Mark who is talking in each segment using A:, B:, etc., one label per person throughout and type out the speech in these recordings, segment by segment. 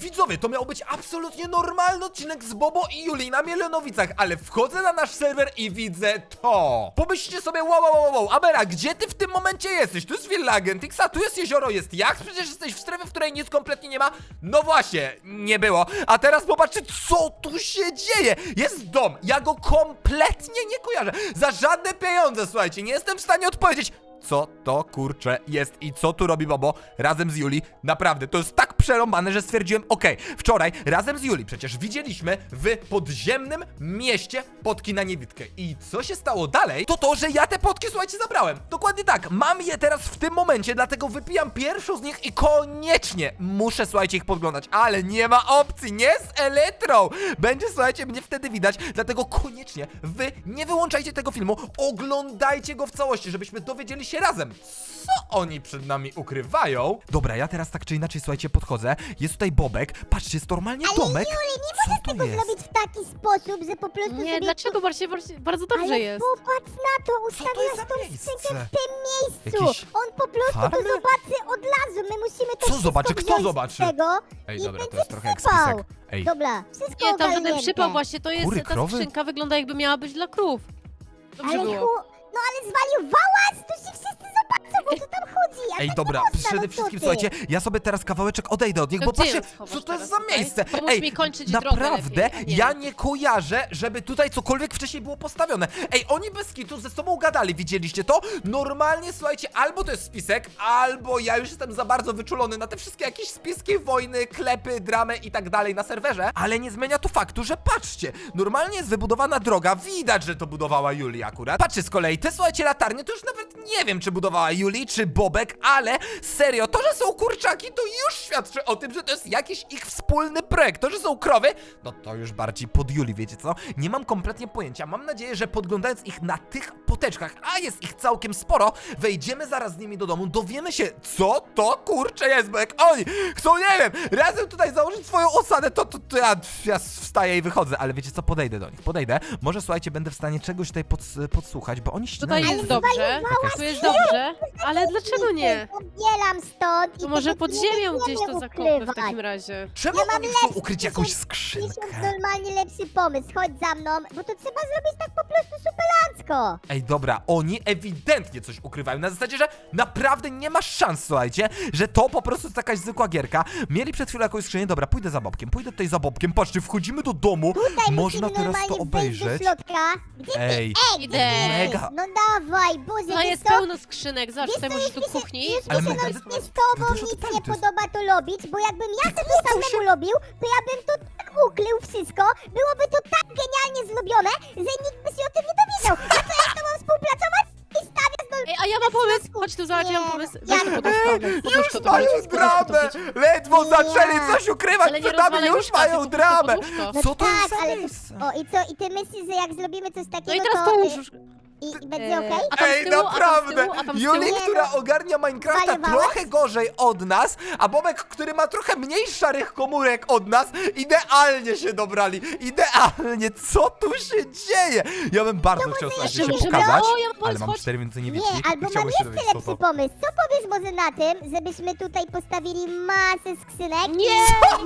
A: Widzowie, to miał być absolutnie normalny odcinek z Bobo i Julii na Mielonowicach, ale wchodzę na nasz serwer i widzę to. Pomyślcie sobie, wow, Amera, gdzie ty w tym momencie jesteś? Tu jest Villa Agentixa, tu jest jezioro, jest jacht, przecież jesteś w strefie, w której nic kompletnie nie ma. No właśnie, nie było. A teraz popatrzcie, co tu się dzieje. Jest dom, ja go kompletnie nie kojarzę. Za żadne pieniądze, słuchajcie, nie jestem w stanie odpowiedzieć. Co to kurczę jest i co tu robi Bobo razem z Julii? Naprawdę, to jest tak przerąbane, że stwierdziłem, okej, wczoraj razem z Julii przecież widzieliśmy w podziemnym mieście potki na niewidkę. I co się stało dalej? To, że ja te potki, słuchajcie, zabrałem. Dokładnie tak, mam je teraz w tym momencie, dlatego wypijam pierwszą z nich i koniecznie muszę, słuchajcie, ich podglądać. Ale nie ma opcji, nie z Elytrą. Będzie, słuchajcie, mnie wtedy widać, dlatego koniecznie wy nie wyłączajcie tego filmu, oglądajcie go w całości, żebyśmy dowiedzieli się razem, co oni przed nami ukrywają. Dobra, ja teraz tak czy inaczej, słuchajcie, podchodzę. Jest tutaj Bobek. Patrzcie, jest normalnie
B: Ale
A: domek.
B: Juli, nie możesz tego zrobić w taki sposób, że po prostu
C: Nie,
B: sobie...
C: dlaczego? Bardzo dobrze
B: Ale
C: jest.
B: popatrz na to,
A: Co to jest
B: ustawiasz
A: za
B: tą
A: miejsce?
B: skrzynkę w tym miejscu.
A: Jakiś
B: On po prostu
A: farmy?
B: to zobaczy od razu. My musimy to
A: Co
B: wszystko
A: zobaczy? Kto
B: wziąć
A: zobaczy?
B: z tego
A: Ej,
B: i
A: dobra, to
B: będzie
A: jest trochę jak
B: przypał.
A: spisek. Ej,
B: Dobra, wszystko
C: Nie, tam żaden
B: ogarnięte.
C: przypał właśnie, to jest,
A: Kury,
C: ta
A: krowy?
C: skrzynka wygląda jakby miała być dla krów. Dobrze
B: Ale
C: było.
B: no ale zwariowałeś, to się wszyscy zobaczą, o co tam chodzi. A
A: Ej,
B: tak
A: dobra,
B: nie można,
A: przede
B: no co
A: wszystkim,
B: ty?
A: słuchajcie, ja sobie teraz kawałeczek odejdę od nich,
C: To
A: bo
C: gdzie
A: patrzcie,
C: ją schowasz
A: co to jest
C: teraz
A: za
C: tutaj?
A: miejsce.
C: Pomóż
A: Ej,
C: mi kończyć drogę
A: naprawdę,
C: lepiej, a nie.
A: ja nie kojarzę, żeby tutaj cokolwiek wcześniej było postawione. Ej, oni bez kitu ze sobą gadali, widzieliście to? Normalnie, słuchajcie, albo to jest spisek, albo ja już jestem za bardzo wyczulony na te wszystkie jakieś spiski, wojny, klepy, dramy i tak dalej na serwerze, ale nie zmienia to faktu, że patrzcie, normalnie jest wybudowana droga, widać, że to budowała Julia akurat. Patrzcie z kolei, te, słuchajcie, latarnie, to już nawet nie wiem, czy budowała Julii, czy Bobek, ale serio, to, że są kurczaki, to już świadczy o tym, że to jest jakiś ich wspólny projekt. To, że są krowy, no to już bardziej pod Julii, wiecie co? Nie mam kompletnie pojęcia. Mam nadzieję, że podglądając ich na tych poteczkach, a jest ich całkiem sporo, wejdziemy zaraz z nimi do domu, dowiemy się, co to kurcze jest, bo jak oni chcą, nie wiem, razem tutaj założyć swoją osadę, to ja wstaję i wychodzę, ale wiecie co? Podejdę do nich, podejdę. Może, słuchajcie, będę w stanie czegoś tutaj podsłuchać, bo oni
C: Tutaj
A: ścinają.
C: jest dobrze, tu jest dobrze, ale dlaczego nie?
B: Odbieram stąd
C: To
B: i
C: może
B: tego
C: pod
B: nie
C: ziemią
B: będziemy
C: gdzieś to zakopmy w
B: ukrywać.
C: takim razie.
A: Czemu
B: Ja mam
A: oni chcą
B: lepszy,
A: ukryć jakąś
B: tysiąc
A: skrzynkę?
B: normalnie lepszy pomysł, chodź za mną, bo to trzeba zrobić tak po prostu superancko.
A: Ej, dobra, oni ewidentnie coś ukrywają. Na zasadzie, że naprawdę nie ma szans, słuchajcie, że to po prostu jest jakaś zwykła gierka. Mieli przed chwilą jakąś skrzynię. Dobra, pójdę za Bobkiem, pójdę tutaj za Bobkiem. Patrzcie, wchodzimy do domu.
B: Tutaj
A: Można
B: musimy
A: teraz to
B: normalnie wejść do
A: obejrzeć.
B: środka. Gdzie ty?
A: Ej,
C: Idę.
A: mega.
B: No dawaj, Boże,
C: No
B: wiesz
C: jest
B: co?
C: pełno skrzynek, zobacz,
B: Wiesz
C: tutaj
B: co,
C: możesz
B: już
C: tu
B: mi się-
C: kuchni.
B: Już
A: Ale
B: mi się
A: mega,
B: nawet z tobą
A: wy dużo
B: nic
A: detali
B: nie
A: to jest.
B: podoba to robić, bo jakbym ja to samemu robił, to ja bym to tak ukrył wszystko, byłoby to tak genialnie zrobione, że nikt by się o tym nie dowiedział. A co ja z tobą współpracować i stawiać do...
C: Ej, a ja mam pomysł! Chodź tu, zobacz, ja mam
B: Nie,
C: pomysł.
B: ja
C: Weź to
B: nie.
C: poduszko, poduszko
A: Już
C: to
A: mają
C: wrzuć,
A: dramę!
C: poduszko to wrzuć.
A: Ledwo
B: Nie.
A: zaczęli coś ukrywać
C: Ale nie
A: przed nami,
C: rozwalaj
A: już
C: łóżka,
A: mają
C: tylko
A: dramę!
C: poduszko.
A: Co to jest za
B: ale
A: miejsce?
B: O, i co? I ty myślisz, że jak zrobimy coś takiego,
C: No i teraz
B: to...
C: połóż już.
B: I będzie okej?
C: A tam z
A: Ej,
C: tyłu, a tam z
A: naprawdę!
C: tyłu, a tam z
A: Juli,
C: tyłu?
A: która
B: Nie, no.
A: ogarnia Minecrafta
B: Zwariowałeś?
A: trochę gorzej od nas, a Bobek, który ma trochę mniej szarych komórek od nas, idealnie się dobrali. Idealnie! Co tu się dzieje? Ja bym bardzo chciał
B: jeszcze
A: się
B: możemy-
A: pokazać,
C: O, ja mam
A: ale
C: pomysł,
A: mam
C: chodź.
A: 4 więcej
B: Nie,
A: niewidzkich.
B: albo mam
A: Chciałbym się
B: jeszcze
A: dowiedzieć, co
B: lepszy
A: to.
B: pomysł. Co powiesz może na tym, żebyśmy tutaj postawili masę skrzynek?
C: Nie!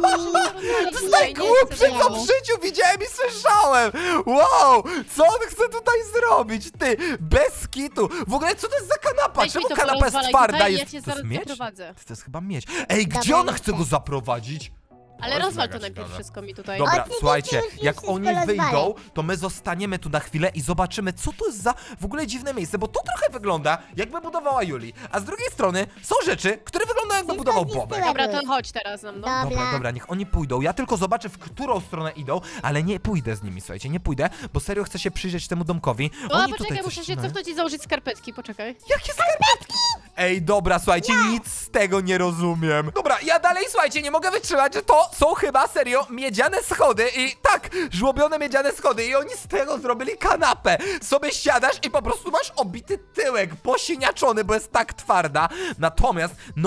A: To jest najgłupsze, co w życiu widziałem i słyszałem! Wow! Co on chce tutaj zrobić, ty? Bez kitu! W ogóle, co to jest za kanapa?
C: Weź mi
A: Czemu
C: to
A: kanapa jest
C: porozwalaj
A: twarda?
C: tutaj,
A: Jest...
C: ja cię
A: To jest
C: zaraz
A: miecz?
C: zaprowadzę.
A: To jest chyba mieć. Ej, gdzie
B: Dobra,
A: ona
B: nie
A: chce
B: chcę.
A: go zaprowadzić?
C: Ale
A: jest
C: rozwal
A: mega
C: to najpierw
A: ciekawe.
C: wszystko mi tutaj.
A: Dobra,
B: Oczywiście
A: słuchajcie,
B: już
A: jak
B: wszystko
A: oni
B: rozwalę.
A: wyjdą, to my zostaniemy tu na chwilę i zobaczymy, co to jest za w ogóle dziwne miejsce, bo to trochę wygląda, jakby budowała Julii, a z drugiej strony są rzeczy, które wyglądają, jakby
B: Wszystko
A: budował
B: zniszczyłem.
A: Bobek.
C: Dobra, to chodź teraz za mną.
A: Dobra, dobra, niech oni pójdą. Ja tylko zobaczę, w którą stronę idą, ale nie pójdę z nimi, słuchajcie, nie pójdę, bo serio chcę się przyjrzeć temu domkowi.
C: O,
A: Oni tutaj
C: poczekaj,
A: coś
C: muszę się
A: ścinają.
C: cofnąć i założyć skarpetki, poczekaj.
A: Jakie skarpetki? Ej, dobra, słuchajcie, nic z tego nie rozumiem. Dobra, ja dalej, słuchajcie, nie mogę wytrzymać, że to są chyba serio miedziane schody i tak, żłobione miedziane schody i oni z tego zrobili kanapę. Sobie siadasz i po prostu masz obity tyłek, posiniaczony, bo jest tak twarda. Natomiast, no...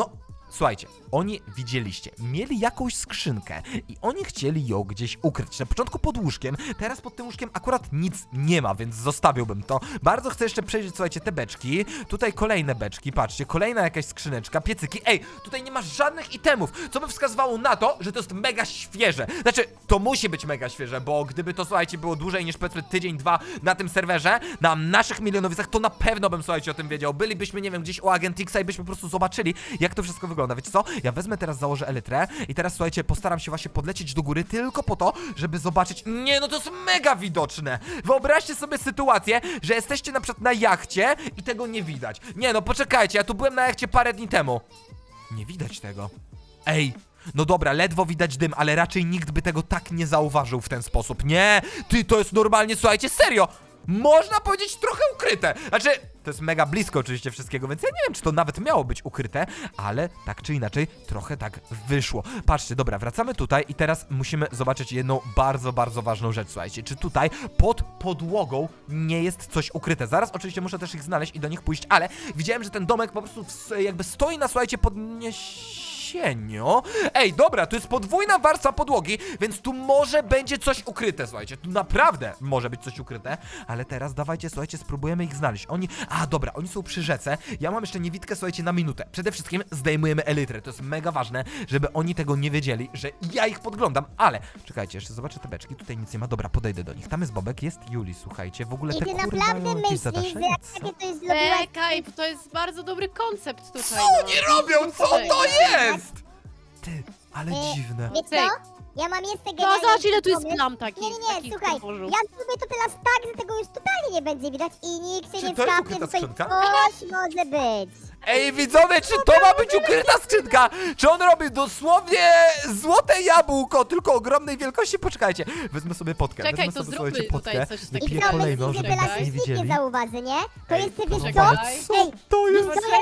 A: słuchajcie, oni widzieliście, mieli jakąś skrzynkę i oni chcieli ją gdzieś ukryć. Na początku pod łóżkiem, teraz pod tym łóżkiem akurat nic nie ma, więc zostawiłbym to. Bardzo chcę jeszcze przejrzeć, słuchajcie, te beczki. Tutaj kolejne beczki, patrzcie, kolejna jakaś skrzyneczka, piecyki. Ej, tutaj nie ma żadnych itemów, co by wskazywało na to, że to jest mega świeże. Znaczy, to musi być mega świeże, bo gdyby to, słuchajcie, było dłużej niż powiedzmy tydzień, dwa na tym serwerze, na naszych milionowicach, to na pewno bym, słuchajcie, o tym wiedział. Bylibyśmy, nie wiem, gdzieś u Agent Xa i byśmy po prostu zobaczyli, jak to wszystko wygląda. Wiecie co? Ja wezmę teraz, założę elytrę i teraz, słuchajcie, postaram się właśnie podlecieć do góry tylko po to, żeby zobaczyć. Nie, no to jest mega widoczne. Wyobraźcie sobie sytuację, że jesteście na przykład na jachcie i tego nie widać. Nie, no poczekajcie, ja tu byłem na jachcie parę dni temu. Nie widać tego. Ej, no dobra, ledwo widać dym, ale raczej nikt by tego tak nie zauważył w ten sposób. Nie, ty, to jest normalnie, słuchajcie, serio. Można powiedzieć trochę ukryte. Znaczy, to jest mega blisko oczywiście wszystkiego, więc ja nie wiem, czy to nawet miało być ukryte, ale tak czy inaczej trochę tak wyszło. Patrzcie, dobra, wracamy tutaj i teraz musimy zobaczyć jedną bardzo, bardzo ważną rzecz, słuchajcie. Czy tutaj pod podłogą nie jest coś ukryte? Zaraz oczywiście muszę też ich znaleźć i do nich pójść, ale widziałem, że ten domek po prostu jakby stoi na, słuchajcie, podniesieniu. Ej, dobra, tu jest podwójna warstwa podłogi, więc tu może będzie coś ukryte, słuchajcie. Tu naprawdę może być coś ukryte, ale teraz dawajcie, słuchajcie, spróbujemy ich znaleźć. Dobra, oni są przy rzece. Ja mam jeszcze niewidkę, słuchajcie, na minutę. Przede wszystkim zdejmujemy elytrę. To jest mega ważne, żeby oni tego nie wiedzieli, że ja ich podglądam, ale czekajcie, jeszcze zobaczę te beczki. Tutaj nic nie ma. Dobra, podejdę do nich. Tam jest Bobek, jest Juli, słuchajcie. W ogóle
B: I
A: te
B: ty
A: kury
B: naprawdę
A: mają jakieś
B: myślisz, że
A: zadaszenie,
B: jak
A: co?
B: takie to jest zrobiłaś...
C: Czekaj, to jest bardzo dobry koncept tutaj.
A: Co
C: no.
A: oni robią? Co to jest? Ty, ale dziwne.
B: Wiesz
C: Cyk.
B: co? Ja mam jeszcze
C: No
B: genialny
C: zobacz, ile tu jest
B: pomysł.
C: plam takich.
B: Nie,
C: takich
B: słuchaj,
C: podłożu.
B: ja zrobię to teraz tak, że tego już totalnie nie będzie widać i nikt się
A: Czy
B: nie
A: to jest
B: skapnie,
A: ukryta
B: że tutaj
A: skrzynka?
B: coś może być.
A: Ej, widzowie, czy to ma być ukryta skrzynka? Czy on robi dosłownie złote jabłko, tylko ogromnej wielkości? Poczekajcie, wezmę sobie potkę.
C: Czekaj,
A: wezmę
C: to
A: sobie,
C: zróbmy
A: słuchajcie,
C: tutaj
A: potkę.
C: coś
B: I
A: Wypiję
C: takiego.
B: co,
A: kolejną,
B: myślisz, że
A: żeby
B: teraz
A: nas nie
B: już nikt nie
A: widzieli.
B: zauważy, nie? To
A: Ej,
B: jest, wiesz co?
C: poczekaj.
B: Ej,
A: To
B: wiesz
A: jest...
B: co,
C: Poczekaj,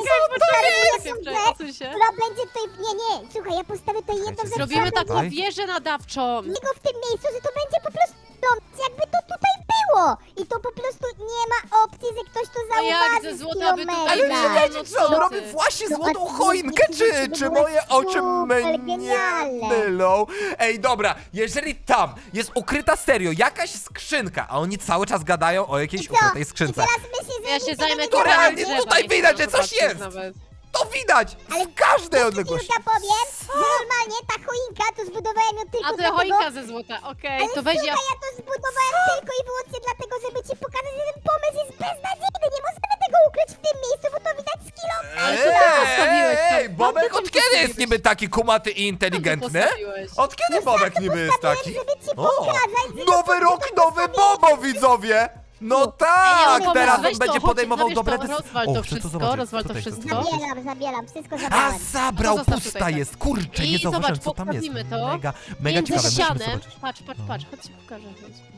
B: ja
C: odsuń się.
B: która będzie tutaj... Nie, słuchaj, ja postawię tutaj jedną
A: Czekajcie,
B: rzecz,
C: Zrobimy
B: która
C: taką
A: Tutaj?
C: wieżę nadawczą.
B: niego w tym miejscu, że to będzie po prostu jakby to tutaj było. I to po prostu nie ma opcji, że ktoś to
C: No
B: zauważy
C: jak ze
B: z
C: złota by tutaj
A: Ale
B: kilometra.
C: było?
A: czekajcie, co on
C: co
A: robi?
C: ty?
A: Właśnie
B: No,
A: złotą
B: oczywiście,
A: choinkę,
B: to
A: czy
B: było
A: moje oczy
B: super
A: mnie
B: genialne.
A: mylą? Ej, dobra, jeżeli tam jest ukryta serio jakaś skrzynka, a oni cały czas gadają o jakiejś
B: I co?
A: ukrytej
B: I
A: skrzynce,
B: teraz myślisz, że
C: Ja
B: nikt
C: się
B: tego
C: zajmę
B: nie
A: To
C: korami
B: zauważy?
A: realnie
C: drzewa,
A: tutaj
C: nie
A: widać,
C: chcę
A: że coś
C: zobaczyć
A: jest.
C: nawet.
A: to widać
B: Ale
A: z każdej
B: Ja
A: odległości.
B: ci powiem, że normalnie ta choinka to zbudowałem ją tylko
C: A to
B: dlatego...
C: choinka ze złota, okej,
B: Ale
C: to weź ja...
B: słuchaj, ja to zbudowałem tylko i wyłącznie dlatego, żeby ci pokazać, że ten pomysł jest beznadziejny. Nie możemy tego ukryć w tym miejscu, bo to widać z kilometra.
C: Ale co ty postawiłeś tam?
A: Ej, Bobek,
C: Co ty
A: od
C: tam
A: kiedy jest
C: postawiłeś?
A: niby taki kumaty i inteligentny?
C: postawiłeś?
A: Od kiedy Bobek niby jest taki?
B: Żeby ci
A: O,
B: pokazać, że
A: nowy rok, nowy Bobo, widzowie! No tak,
C: Ej,
A: teraz
C: weź
A: on
C: to,
A: będzie
C: chodź,
A: podejmował
C: zabierz
A: dobre
C: to,
A: decyzje.
C: rozwal to wszystko, rozwal to wszystko.
B: Zabieram, wszystko
A: A,
B: zabrałem.
A: zabrał,
C: To zostaw
A: pusta
C: tutaj, tak.
A: jest, kurczę, nie
C: I
A: zauważyłem,
C: zobacz,
A: co tam jest.
C: poprawimy to.
A: Mega
C: Między
A: ciekawe, musimy
C: ścianem.
A: zobaczyć.
C: Patrz, chodź ci pokażę.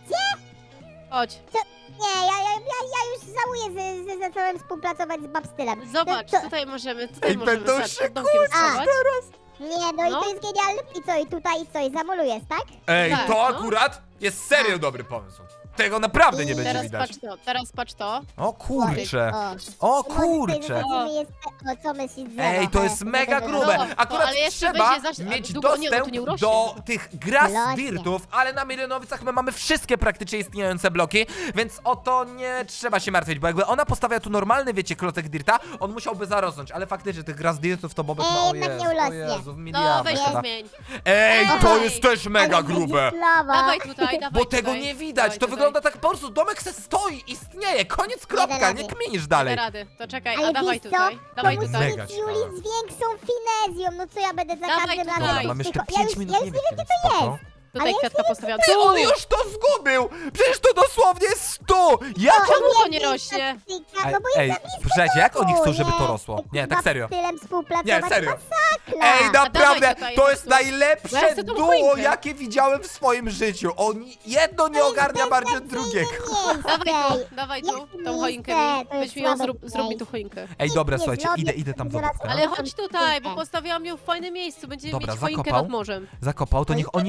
C: Chodź,
B: Nie, ja już żałuję, że zacząłem współpracować z Babstylem.
C: zobacz,
B: To-
C: tutaj możemy
A: Ej, będą
C: zobacz,
A: się
C: pod domkiem schować.
B: Nie, no i
C: No.
B: to jest genialne. I co, i tutaj, i co, i zamolujesz, tak?
A: Ej,
C: Tak,
A: to
C: no.
A: akurat jest serio dobry pomysł. Tego naprawdę nie będzie widać.
C: Teraz patrz to.
A: O kurczę,
B: O.
A: o kurczę.
B: Zasadzimy jeszcze, o co myślisz, że...
A: Ej, to jest mega grube.
C: No,
A: Akurat
C: ale jeszcze
A: trzeba
C: będzie
A: mieć
C: długo nie, no to
A: dostęp
C: nie urośnie.
A: do tych grass
B: Rośnie.
A: dirtów, ale na Milionowicach my mamy wszystkie praktycznie istniejące bloki, więc o to nie trzeba się martwić, bo jakby ona postawia tu normalny, wiecie, klocek dirta, on musiałby zarosnąć, ale faktycznie tych grass dirtów to Bobek ma o
B: jednak
A: Jezu,
B: nie
A: o
B: urośnie.
A: Jezu, w
C: No
A: miliardach
C: weź to
A: chyba.
C: zmień.
A: Ej, to
C: Ej.
A: jest też mega grube.
C: Dawaj tutaj, dawaj
A: Bo tego
C: tutaj.
A: nie widać,
C: Dawaj
A: to
C: tutaj.
A: wygląda tak po prostu, domek se stoi, istnieje, koniec, kropka,
B: rady.
A: nie kminisz
C: Da
A: dalej.
C: rady, to czekaj,
B: Ale
C: a dawaj
B: wiesz co?
C: tutaj. Dawaj
B: to musi
C: tutaj.
A: Mega
B: być
A: ciekawe.
B: Juli z większą finezją. No co ja będę za
C: Dawaj
B: każdym
C: tutaj.
B: razem...
C: Ej,
A: Mam jeszcze
B: ja
A: 5
B: już
A: minut,
B: nie
A: nie
B: wiem,
A: wiem,
B: gdzie to
A: spoko.
B: jest.
C: Tutaj
B: Ale
C: kwiatka postawiam.
A: Ty,
C: Tu!
A: on już to zgubił! Przecież to dosłownie jest 100! Jak on...
C: Czemu to nie rośnie?
B: No bo
A: Ej,
B: jest za blisko
A: słuchajcie, jak oni chcą,
B: domu,
A: żeby to
B: nie?
A: rosło? Nie,
B: Z
A: tak serio.
B: Babstylem współpracować,
A: Nie, serio.
B: masakra.
A: Ej, naprawdę,
C: dawaj tutaj,
A: to jest
C: tu. Ja
A: najlepsze
C: chcę tą
A: duo,
C: choinkę.
A: jakie widziałem w swoim życiu. Jedno nie ogarnia bardziej od drugiego.
C: Dawaj
B: Jak
C: tu,
B: to
C: tą choinkę
B: miejsce?
C: mi.
B: To jest
C: Weź mi ją,
B: słabe
C: zrób mi
B: miejsce.
C: tu choinkę.
A: Ej, dobra,
B: nie
A: słuchajcie,
B: zrobię,
A: idę tam do
B: zaraz
A: Bobka.
C: Ale chodź tutaj, bo
B: Choinkę.
C: postawiłam ją w fajnym miejscu. Będziemy
A: Dobra,
C: mieć choinkę
A: zakopał.
C: nad morzem.
A: Zakopał, to niech oni idą po tą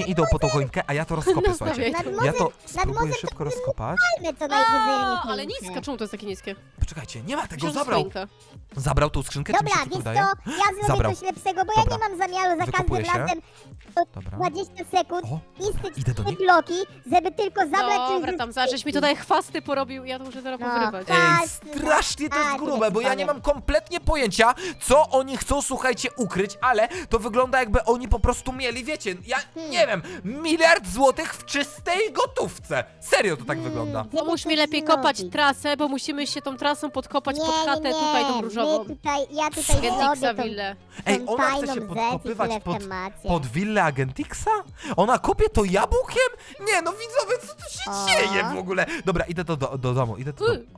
A: choinkę, a ja to rozkopię,
C: No,
A: słuchajcie.
C: stawiaj.
A: Ja to
B: nad
A: spróbuję
B: morzem
A: szybko
B: to
A: rozkopać.
B: Fajne, co najwyżej.
C: Ale nisko, czemu to jest takie niskie?
A: Poczekajcie, nie ma tego,
C: Myślałam, że
A: zabrał.
C: choinka.
A: Zabrał tą skrzynkę, czy mi
B: Dobra,
A: się tylko
B: wiesz co,
A: wydaje?
B: ja zrobię
A: Zabrał.
B: coś lepszego, bo
A: Dobra.
B: ja nie mam zamiaru za
A: Wykopuję
B: każdym
A: się.
B: razem
A: Dobra.
B: 20 sekund
A: O,
B: niszczyć
A: idę do nich.
B: bloki, żeby tylko zabrać coś
C: Dobra,
B: ze
C: tam żeś mi tutaj chwasty porobił, ja to muszę teraz
B: No.
C: powyrywać.
B: Tak.
A: Ej,
B: Jasne.
A: strasznie to jest
B: A,
A: grube,
B: tyle
A: bo ja nie
B: powiem.
A: mam kompletnie pojęcia, co oni chcą, słuchajcie, ukryć, ale to wygląda jakby oni po prostu mieli, wiecie, ja nie wiem, 1 miliard złotych w czystej gotówce. Serio to tak wygląda.
B: żeby
C: Pomóż mi
B: coś
C: lepiej kopać
B: zrobić.
C: trasę, bo musimy się tą trasą podkopać
B: Nie,
C: pod chatę
B: nie,
C: tutaj tą
B: nie,
C: różową.
B: ja tutaj
C: Agentixa
B: zrobię tą,
C: willę.
A: Ej,
B: tą
A: ona chce
B: tajną
A: się
B: rzecz i
A: podkopywać
B: tyle w
A: pod,
B: temacie.
A: pod willę Agentixa? Ona kopie to jabłkiem? Nie, no widzowie, co tu się
B: O.
A: dzieje w ogóle? Dobra, idę do domu, idę do domu.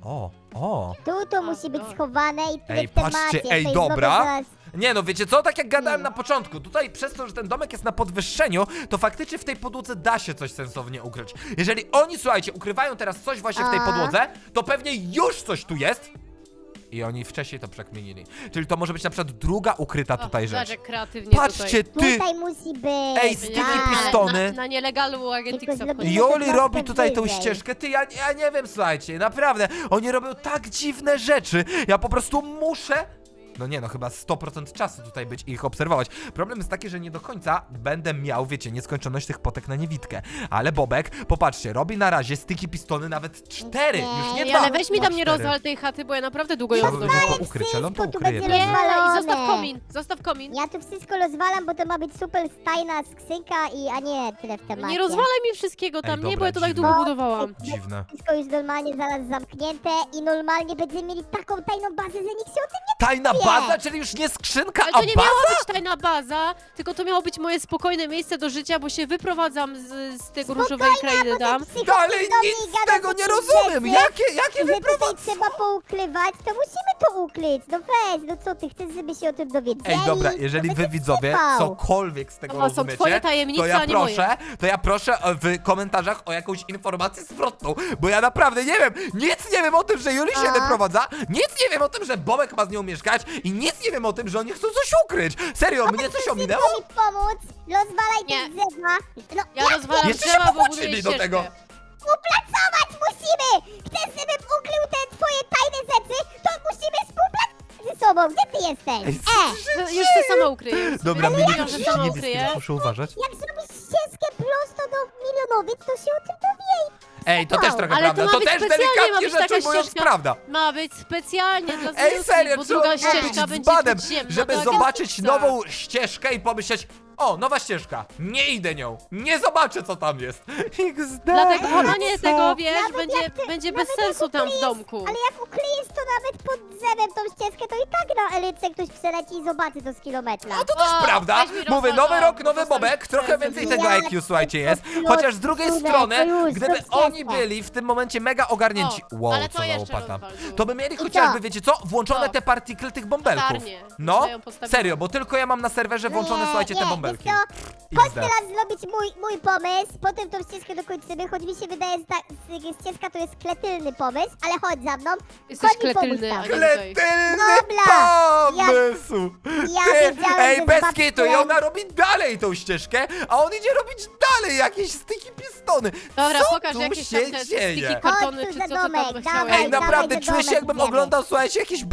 A: O.
B: Tu to
C: A,
B: musi być
C: dobra.
B: schowane i tyle
A: Ej,
B: w temacie.
A: patrzcie, ej,
B: to
A: dobra.
B: zrobię zaraz.
A: Nie no, wiecie co? Tak jak gadałem na początku, tutaj przez to, że ten domek jest na podwyższeniu, to faktycznie w tej podłodze da się coś sensownie ukryć. Jeżeli oni, słuchajcie, ukrywają teraz coś właśnie w tej
B: A.
A: podłodze, to pewnie już coś tu jest. I oni wcześniej to przekminili. Czyli to może być na przykład druga ukryta tutaj
C: Zobacz,
A: rzecz.
C: jak kreatywnie
A: Patrzcie, ty!
B: Tutaj musi być.
A: Ej, sticky
C: tutaj.
A: pistony.
C: Na nielegalu Agentixa
B: Tylko zrobimy
C: wchodzi.
A: Joli
B: troszkę
A: robi tutaj tą
B: wyżej.
A: ścieżkę, ty, ja nie wiem, słuchajcie, naprawdę, oni robią tak dziwne rzeczy, ja po prostu muszę, no nie no, chyba 100% czasu tutaj być i ich obserwować. Problem jest taki, że nie do końca będę miał, wiecie, nieskończoność tych potek na niewidkę, ale Bobek, popatrzcie, robi na razie sticky pistony nawet 4,
B: Nie.
A: już nie
C: Ej,
A: 2,
C: ale weź mi tam nie
A: 4.
C: rozwal tej chaty, bo ja naprawdę długo ją
A: Trzeba by
C: zdobyłam.
A: było to ukryć, ale on to
B: Wszystko tu
A: ukryje.
B: będzie
C: Nie,
A: pewnie.
B: rozwalone.
C: i zostaw komin, zostaw komin.
B: Ja tu wszystko rozwalam, bo to ma być super tajna skrzynka a nie tyle w temacie.
C: Nie rozwalaj mi wszystkiego tam,
A: Ej,
C: nie,
A: dobra,
C: bo ja to tak
A: dziwne.
C: długo budowałam.
A: Dziwne.
B: Wszystko już normalnie zaraz zamknięte i normalnie będziemy mieli taką tajną bazę, że nikt się o tym nie
A: Tajna
B: Nie.
A: baza, czyli już nie skrzynka,
C: Ale
A: a
C: to nie
A: baza?
C: miała być tajna baza, tylko to miało być moje spokojne miejsce do życia, bo się wyprowadzam z tego różowej krainy tam.
A: Dalej nic z tego nie rozumiem, jakie
B: Że
A: wyprowadzenie?
B: tutaj trzeba poukrywać, to musimy to ukryć. No weź, no co ty, chcesz, żeby się o tym dowiedzieli?
A: Ej, dobra,
B: To
A: jeżeli
B: będzie
A: wy widzowie
B: przypał.
A: cokolwiek z tego
C: To są
A: rozumiecie,
C: twoje tajemnice,
A: to
C: a nie moje.
A: to ja proszę w komentarzach o jakąś informację zwrotną, bo ja naprawdę nie wiem, nic nie wiem o tym, że Juli się
B: A?
A: wyprowadza, nic nie wiem o tym, że Bobek ma z nią mieszkać i nic nie wiem o tym, że oni chcą coś ukryć. Serio, mnie coś ominęło?
B: Chcesz mi pomóc? Rozwalaj
C: Nie.
B: te drzewa. No,
C: Ja rozwalam
A: Jeszcze się
C: drzewa, bo
A: popłaczyli
C: buduję
A: do tego.
C: ścieżkę.
B: Współpracować musimy! Chcesz, żebym ukrył te twoje tajne rzeczy, to musimy współpracować ze sobą. Gdzie ty jesteś?
C: No, już się sama ukryję.
A: Dobra,
C: Ja
A: mnie
C: mówiłam, że sama ukryję.
A: muszę uważać.
B: Jak zrobisz ścieżkę prosto do milionowic, to się o tym dowie.
A: Ej, to też trochę
C: Ale to
A: prawda,
C: ma
A: to
C: być
A: też
C: specjalnie, ma
A: delikatnie
C: być taka
A: rzecz ujmując
C: ścieżka.
A: prawda.
C: Ma być specjalnie dla
A: Ej,
C: Związki,
A: serio,
C: bo
A: trzeba
C: druga
A: być
C: ścieżka będzie
A: dzbanem,
C: podziemna.
A: żeby
C: do
A: zobaczyć
C: Agentixa.
A: nową ścieżkę i pomyśleć, o, nowa ścieżka, nie idę nią, nie zobaczę co tam jest. XD.
C: Dlatego chowanie
A: Co?
C: tego, wiesz,
B: Nawet jak ty-
C: będzie
B: nawet
C: bez
B: jak
C: sensu tam w
B: ukryjesz-
C: domku.
B: Ale jak ukryjesz to nawet pod drzewem tą ścieżkę, to i tak na elyce ktoś przeleci i zobaczy to z kilometra.
A: No to też
C: O,
A: prawda.
C: weź mi
A: Mówię,
C: rozwal
A: nowy
C: to,
A: rok,
C: bo
A: nowy
C: zostawisz
A: Bobek, trochę
C: prezent.
A: więcej tego
B: Ja
A: IQ, słuchajcie, jest.
B: plus,
A: Chociaż z drugiej
B: plus,
A: strony,
B: plus,
A: gdyby
B: plus,
A: oni
B: plus.
A: byli w tym momencie mega ogarnięci,
C: O,
A: wow,
C: ale
A: co
C: to
A: za
C: jeszcze
A: łopata,
C: rozwal tu.
A: to by mieli
B: co?
A: chociażby, wiecie co, włączone
C: Co?
A: te partikle tych bąbelków.
C: Latarnie.
A: No,
C: Ja ją postawiłam.
A: serio, bo tylko ja mam na serwerze włączone, słuchajcie, te bąbelki.
B: Wiesz co? Chodź
A: XD.
B: teraz zrobić mój pomysł, potem tą ścieżkę dokończymy, choć mi się wydaje, że ta ścieżka to jest kretylny pomysł, ale chodź za mną.
C: Jesteś
B: Chodź mi pomóż
C: kretylny,
B: tam.
C: a nie tutaj.
A: Kletylny
B: Dobra,
A: pomysł!
B: ja
A: Ty,
B: wiedziałem,
A: ej,
B: że
A: bez
B: z
A: kitu, i
B: babcią-
A: ona robi dalej tą ścieżkę, a on idzie robić dalej jakieś sticky pistony.
C: Dobra,
A: Co
C: pokaż
A: tu
C: jakieś
A: się
C: tam te
A: dzieje?
C: sticky kartony,
B: Chodź
C: czy
B: tu
C: co
B: za
C: ty tam
B: domek,
C: chciałeś.
B: dawaj,
A: Ej, naprawdę
B: dawaj,
A: czuję się,
B: domek
A: jakbym
B: idziemy.
A: oglądał, słuchajcie, jakiś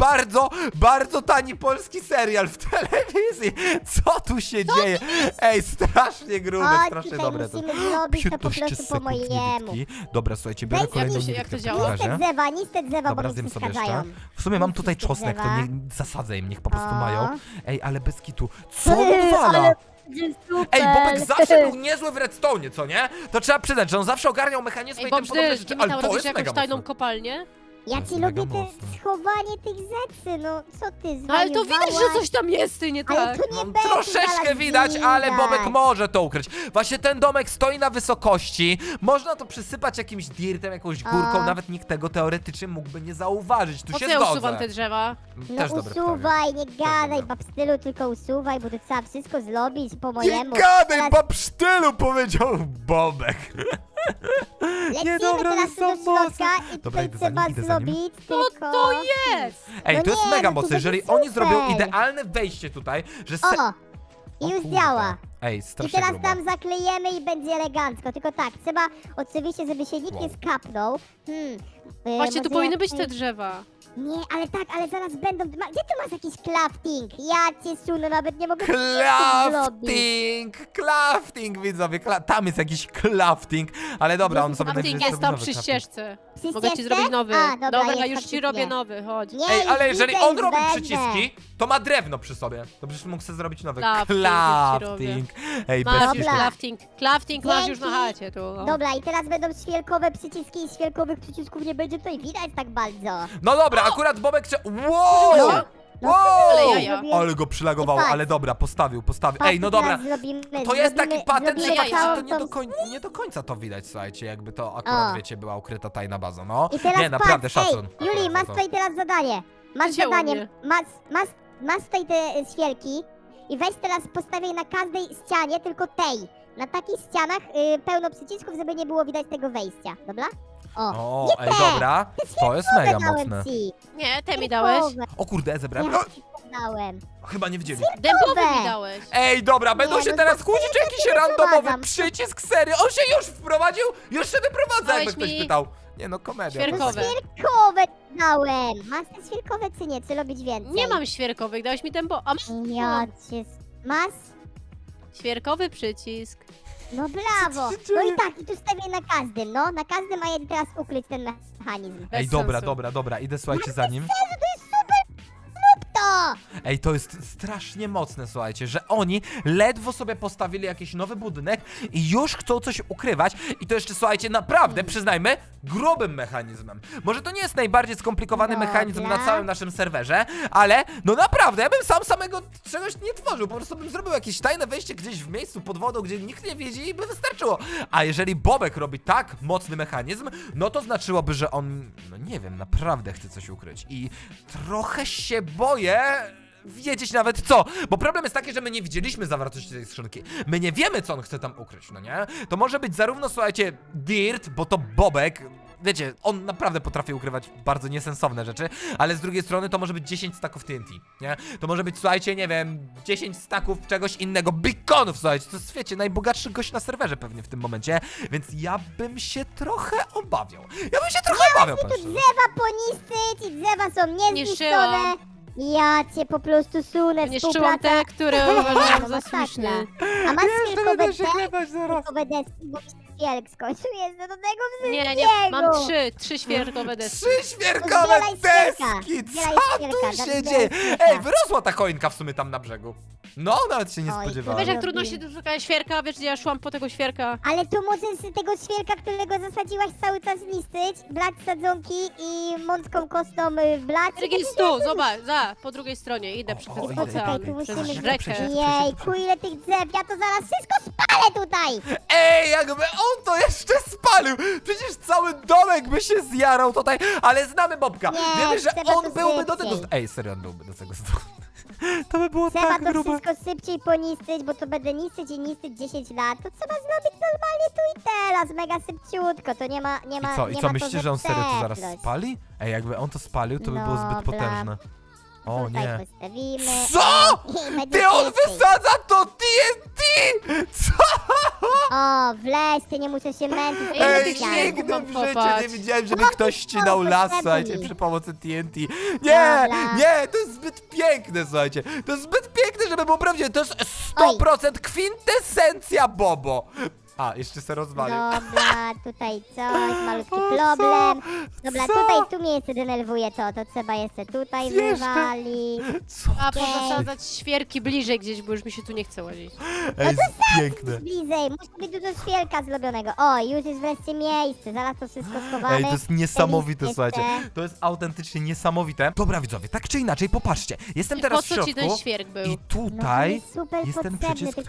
A: bardzo tani polski serial w telewizji. Co tu się dzieje? Ej, strasznie grube,
B: Chodź,
A: strasznie
B: tutaj
A: dobre to.
B: musimy zrobić to po
A: 15
B: prostu po
A: sekund
B: mojemu.
A: niewidki. Dobra, słuchajcie, biorę
B: Weź,
A: kolejną
C: jak to
A: niewidkę w
C: działa?
A: takim
B: Nic te
A: razie.
B: drzewa, nic te drzewa, bo
A: Dobra,
B: mi
A: zjem sobie
B: przeszkadzają.
A: jeszcze. W sumie mam tutaj
B: Wszystkie
A: czosnek, to
B: drzewa.
A: nie zasadzę im, niech po prostu
B: O.
A: mają. Ej, ale bez kitu. Co
B: Ty,
A: on odwala?
B: ale będzie super.
A: Ej, Bobek zawsze był niezły w redstone, co nie? To trzeba przyznać, że on zawsze ogarniał mechanizmy
C: Ej,
A: i tym podobne
C: Bobżdy,
A: rzeczy,
C: ty mi
A: ale
C: tam
A: to
C: robisz
A: jest mega
C: jakąś tajną
A: mocne.
C: kopalnię?
B: Ja
A: jest
B: ci
A: mega
B: lubię te
A: mocne.
B: schowanie tych rzeczy, no co ty
C: No ale to widać, że
B: zwariowałaś?
C: coś tam jest, ty nie
B: Ale
C: tak.
B: tu nie
A: No,
B: będzie
A: troszeczkę
B: zaraz
A: widać, ale Bobek
B: widać.
A: może to ukryć. Właśnie ten domek stoi na wysokości, można to przysypać jakimś dirtem, jakąś górką,
B: A.
A: nawet nikt tego teoretycznie mógłby nie zauważyć, tu
C: Po
A: się
C: co ja
A: zgodzę.
C: usuwam te drzewa?
B: No
A: Też dobre pytanie.
B: usuwaj, nie gadaj,
A: dobre.
B: babstylu, tylko usuwaj, bo to trzeba wszystko zrobić po
A: Nie
B: mojemu.
A: gadaj,
B: Teraz
A: babsztylu, powiedział Bobek.
B: lecimy
A: dobra,
B: teraz
A: są
B: tu do środka
A: mocne.
B: i
A: Dobra,
B: tutaj
A: idę za nim,
B: trzeba
A: idę za nim.
B: zrobić
C: Co
B: tylko...
C: to jest?
A: Ej,
B: No
A: to jest
B: nie,
A: mega
B: no to
A: mocne, jeżeli
B: będzie
A: oni zrobią
B: super.
A: idealne wejście tutaj, że
B: O, I
A: O
B: już
A: kurde.
B: działa.
A: Ej,
B: I
A: strasznie
B: teraz
A: grubo.
B: tam zaklejemy i będzie elegancko. Tylko tak, trzeba oczywiście, żeby się nikt nie
A: Wow.
B: skapnął.
C: Właśnie tu
B: może
C: powinny być te
B: jakiś-
C: drzewa.
B: Nie, ale tak, ale zaraz będą... Gdzie ty masz jakiś crafting? Ja cię sunę, nawet nie mogę zrobić.
A: Crafting, widzowie, tam jest jakiś crafting, ale dobra, on sobie
C: Crafting
A: będzie
C: jest tam
A: nowy
C: przy
A: crafting.
C: ścieżce.
B: Przy
C: Mogę ci
B: ścieżce?
C: zrobić nowy.
B: A, dobra, jest
C: już ci
B: faktycznie.
C: robię nowy, chodź.
B: Nie,
A: Ej,
B: już
A: ale jeżeli
B: widzę,
A: on
B: już
A: robi
B: wejdę.
A: przyciski, to ma drewno przy sobie. To przecież mógł sobie zrobić nowy
C: Crafting
A: Ej,
C: Masz
A: bez
C: już
B: Dobra.
C: crafting. Crafting masz już na
B: Dzięki.
C: chacie tu. o.
B: Dobra, i teraz będą świerkowe przyciski i świerkowych przycisków nie będzie tutaj widać tak bardzo.
A: No dobra, akurat Bobek Wow!
C: No.
B: No,
C: Ale
B: co
C: jaja.
B: zrobię?
A: Ale go przylagowało,
B: Patrz.
A: ale dobra, postawił.
B: Patrz,
A: Ej, no dobra.
B: teraz zrobimy,
A: To jest taki patent, że
C: zrobimy
A: faktycznie to
B: całą
A: nie do końca to widać, słuchajcie, jakby to akurat,
B: O.
A: wiecie, była ukryta tajna baza, no.
B: I teraz
A: Nie, naprawdę,
B: patrz,
A: szacun.
B: Ej, Juli, masz
A: To.
B: tutaj teraz zadanie. Masz
C: Przycięło
B: zadanie,
C: mnie.
B: masz tutaj te świerki i weź teraz postawię na każdej ścianie, tylko tej. Na takich ścianach pełno przycisków, żeby nie było widać tego wejścia, dobra? O,
A: O,
B: nie
A: ej,
B: te!
A: dobra, to jest mega
B: dałem
A: mocne.
B: ci.
C: Nie, te mi dałeś.
B: Świerkowe.
A: O kurde, zebrałem.
B: Ja ci podałem.
A: Chyba nie widzieli.
C: Dębowy mi dałeś.
A: Ej, dobra, będą
B: Nie,
A: się
B: no
A: teraz
B: to
A: kłócić o
B: ja
A: jakiś
B: się
A: randomowy
B: wyprowadzam.
A: przycisk, serio. On się już wprowadził, już się wyprowadza, jakby
C: Dałeś
A: ktoś
C: mi
A: pytał. Nie no, komedia.
C: świerkowe.
B: Świerkowe dałem. Masz te świerkowe czy nie? Czy robić więcej?
C: Nie mam świerkowych, dałeś mi dębo. A
B: Ja cię... Masz?
C: świerkowy przycisk.
B: No brawo!
A: Co się
B: No
A: dzieje?
B: i tak, i tu stawię na każdym, no. Na każdym, a ja teraz ukryć ten mechanizm.
A: Ej,
C: Bez
A: dobra,
C: sensu.
A: dobra, idę, słuchajcie, za nim.
B: To!
A: Ej, to jest strasznie mocne, słuchajcie, że oni ledwo sobie postawili jakiś nowy budynek i już chcą coś ukrywać i to jeszcze, słuchajcie, naprawdę, przyznajmy, grubym mechanizmem. Może to nie jest najbardziej skomplikowany
B: Dobra.
A: mechanizm na całym naszym serwerze, ale no naprawdę, ja bym sam samego czegoś nie tworzył, po prostu bym zrobił jakieś tajne wejście gdzieś w miejscu pod wodą, gdzie nikt nie widzi i by wystarczyło. A jeżeli Bobek robi tak mocny mechanizm, no to znaczyłoby, że on, no nie wiem, naprawdę chce coś ukryć i trochę się boję wiedzieć nawet co, bo problem jest taki, że my nie widzieliśmy zawartości tej skrzynki. My nie wiemy, co on chce tam ukryć, no nie? To może być zarówno, słuchajcie, Dirt, bo to Bobek, wiecie, on naprawdę potrafi ukrywać bardzo niesensowne rzeczy, ale z drugiej strony to może być 10 staków TNT, nie? To może być, słuchajcie, nie wiem, 10 staków czegoś innego, beaconów, słuchajcie, to jest, wiecie, najbogatszy gość na serwerze pewnie w tym momencie, więc ja bym się trochę obawiał. Ja bym się trochę obawiał,
B: Tu
A: powiem szczerze.
B: drzewa poniszczyć i drzewa są niezniszczone.
C: Niszczyłam.
B: Ja cię po prostu sunę,
C: Niszczyłam
B: współpraca.
C: te, które uważałam za
B: Masakra.
C: słuszne.
B: A masz świerkowe
A: będę się
B: deski?
A: klepać zaraz.
B: Świerkowe deski, bo mi się świerk skończył, jest do tego
C: Nie,
B: wszystkiego.
C: mam trzy świerkowe deski.
A: 3 świerkowe
B: Zbieraj świerka.
A: deski!
B: Zbieraj
A: Co
B: świerka,
A: tu się
B: zbieraj
A: dzieje?
B: świerka.
A: Ej, wyrosła ta choinka w sumie tam na brzegu. No, nawet się nie
B: Oj,
A: spodziewałem.
C: Wiesz, jak
B: Robię.
C: trudno się doszukać świerka? Wiesz, gdzie ja szłam po tego świerka?
B: Ale tu możesz tego świerka, którego zasadziłaś, cały czas niszczyć, blać sadzonki i mącką kostną blać.
C: Świerk jest tu, zobacz, po drugiej stronie. Idę przez
A: o,
C: ten
A: idę,
C: ocean,
B: idę, idę.
C: przez
B: Musimy
C: rzekę.
A: przejść.
B: Jejku, ile tych drzew, ja to zaraz wszystko spalę tutaj!
A: Ej, jakby on to jeszcze spalił! Przecież cały domek by się zjarał tutaj, ale znamy Bobka.
B: Nie,
A: Wiemy, że
B: trzeba
A: on
B: to
A: byłby do tego...
B: szybciej.
A: Ej, serio, on byłby do tego zdolny. To by było
B: Trzeba
A: tak
B: to
A: grube.
B: wszystko szybciej poniszczyć, bo to będę niszczyć i niszczyć 10 lat. To trzeba zrobić normalnie tu i teraz, mega szybciutko, to nie ma
A: I co,
B: nie
A: i co
B: ma to
A: myślicie, że on serio to zaraz
B: zepsuć.
A: spali? Ej, jakby on to spalił, to by było zbyt
B: Dobra.
A: potężne. O
B: Tutaj
A: nie.
B: postawimy.
A: Co?
B: I będzie
A: Ty, on
B: szybciej.
A: wysadza to TNT! Co?
B: O, wleź, ty nie muszę się męczyć.
C: Ej,
A: Ej,
C: tych
B: ścianami.
A: nigdy
C: mam
A: w życiu nie
C: popatrz.
A: widziałem, żeby
B: No,
A: ktoś ścinał
B: no,
A: las,
B: potrzebny.
A: słuchajcie, przy pomocy TNT. Nie,
B: Dobra.
A: nie, to jest zbyt piękne, słuchajcie. To jest zbyt piękne, żeby było prawdziwe. To jest 100% kwintesencja Bobo. A, jeszcze se rozwalił.
B: Dobra, tutaj coś, malutki
A: O,
B: problem. Dobra,
A: Co?
B: tutaj, tu mnie jeszcze denerwuje to trzeba jeszcze tutaj
A: Jeszcze?
B: wywalić.
A: Co
C: A
A: to się...
C: pozasadzać świerki bliżej gdzieś, bo już mi się tu nie chce łazić.
A: Ej, jest piękne.
B: Bliżej, musi być dużo świerka zrobionego. O, już jest wreszcie miejsce, zaraz to wszystko schowamy.
A: Ej, to jest niesamowite,
B: Jeszcze.
A: słuchajcie. To jest autentycznie niesamowite. Dobra, widzowie, tak czy inaczej, popatrzcie. Jestem teraz
C: Po
A: w
C: co ci
A: środku
C: ten świerk był?
A: i
B: No, to
A: tutaj
B: jest super
A: jest ten
B: potrzebny,
A: przycisk,
B: tylko...
A: który...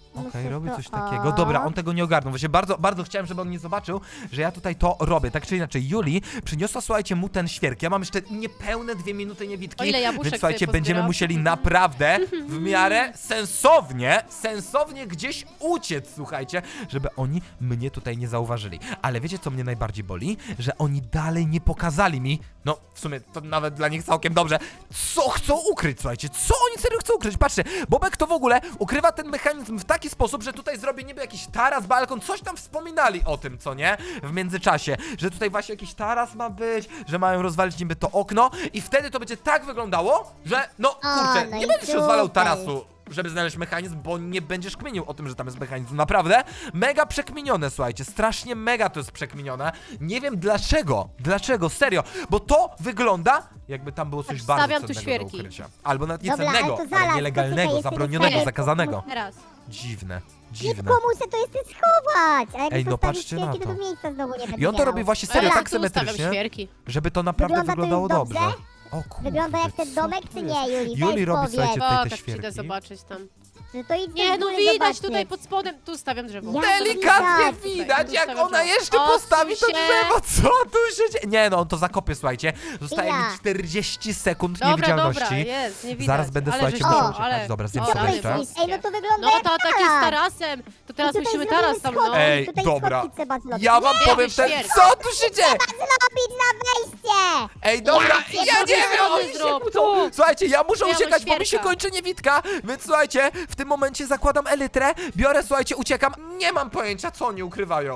A: Okej,
B: Muszę
A: robi
B: to-
A: coś takiego. Dobra, on tego nie ogarnął. Właśnie bardzo, bardzo chciałem, żeby on nie zobaczył, że ja tutaj to robię. Tak czy inaczej, Juli przyniosła, słuchajcie, mu ten świerk. Ja mam jeszcze niepełne 2 minuty niewidki,
C: O ile jabłuszek
A: więc słuchajcie,
C: sobie
A: będziemy
C: pozbieram.
A: musieli naprawdę w miarę sensownie gdzieś uciec, słuchajcie, żeby oni mnie tutaj nie zauważyli. Ale wiecie, co mnie najbardziej boli? Że oni dalej nie pokazali mi, no w sumie to nawet dla nich całkiem dobrze, co chcą ukryć, słuchajcie, co oni serio chcą ukryć. Patrzcie, Bobek to w ogóle ukrywa ten mechanizm w taki sposób, że tutaj zrobię niby jakiś taras, balkon, coś tam wspominali o tym, co nie? W międzyczasie, że tutaj właśnie jakiś taras ma być, że mają rozwalić niby to okno i wtedy to będzie tak wyglądało, że no kurczę,
B: no
A: nie
B: i
A: będziesz rozwalał
B: super.
A: tarasu, żeby znaleźć mechanizm, bo nie będziesz kminił o tym, że tam jest mechanizm. Naprawdę mega przekminione, słuchajcie, strasznie mega to jest przekminione. Nie wiem dlaczego, serio, bo to wygląda jakby tam było coś
C: Tak,
A: bardzo
C: stawiam tu
A: cennego do
C: świerki.
A: ukrycia. Albo nawet nie
B: Dobra, ale
A: cennego,
B: to
A: ale
B: zaraz,
A: nielegalnego,
B: poczekaj,
A: zabronionego,
B: jeszcze
A: zakazanego.
C: Teraz.
A: Dziwne.
B: Szybko muszę to jeszcze schować. A jak
A: Ej, no
B: postawisz
A: patrzcie na
B: świerki,
A: to.
B: to miejsca znowu nie będę
A: I on to
B: miał.
A: robi właśnie
C: A
A: serio
C: ja
A: tak
C: tu ustawiam
A: symetrycznie,
C: świerki.
A: żeby to naprawdę
B: Wygląda to
A: wyglądało
B: dobrze?
A: dobrze. O kurde.
B: Wygląda jak ten domek, czy nie, Juli?
A: Juli
B: Weź
A: robi,
B: powiedz.
A: słuchajcie,
C: O,
A: tutaj te
C: tak przyjdę
A: świerki.
C: zobaczyć tam.
B: No to idź
C: Nie,
B: do
C: no
B: góry
C: widać
B: zobaczyć.
C: tutaj pod spodem. Tu stawiam drzewo.
B: Ja-
A: Delikatnie
B: Tutaj,
A: widać, jak
C: ustawiam
A: ona
C: drzewo.
A: jeszcze
C: Odsuń
A: postawi to
C: się.
A: drzewo. Co tu się dzieje? Nie no, on to zakopie, słuchajcie. Zostaje mi
B: Ja.
A: 40 sekund
C: Dobra,
A: niewidzialności.
C: dobra, jest, nie widać.
A: Zaraz będę,
C: ale
A: słuchajcie,
C: żeś-
A: musiał
C: o,
A: uciekać.
C: ale-
A: Dobra, zjem
C: o,
A: sobie
B: Co
C: ale
A: jeszcze.
B: myślisz? Ej, no to wygląda
C: No
B: jak
C: to taki z
B: taras.
C: tarasem. To teraz
B: I tutaj
C: musimy
B: zrobimy
C: taras tam, no.
B: schody.
A: Ej,
B: Tutaj
A: dobra.
B: schodki trzeba zrobić.
A: Ja wam
C: Nie,
A: powiem ten...
C: świerk.
A: Co tu się dzieje?
B: Zrobić na wejście!
A: Ej, dobra,
B: Ja
A: ja nie
C: cię
A: wiem,
C: zrobię,
A: oni się
C: zrób,
A: kłócą.
C: tu.
A: Słuchajcie, ja muszę
C: Ja mam
A: uciekać, bo mi się
C: świerka.
A: kończy niewidka, więc słuchajcie, w tym momencie zakładam elytrę, biorę, słuchajcie, uciekam. Nie mam pojęcia, co oni ukrywają.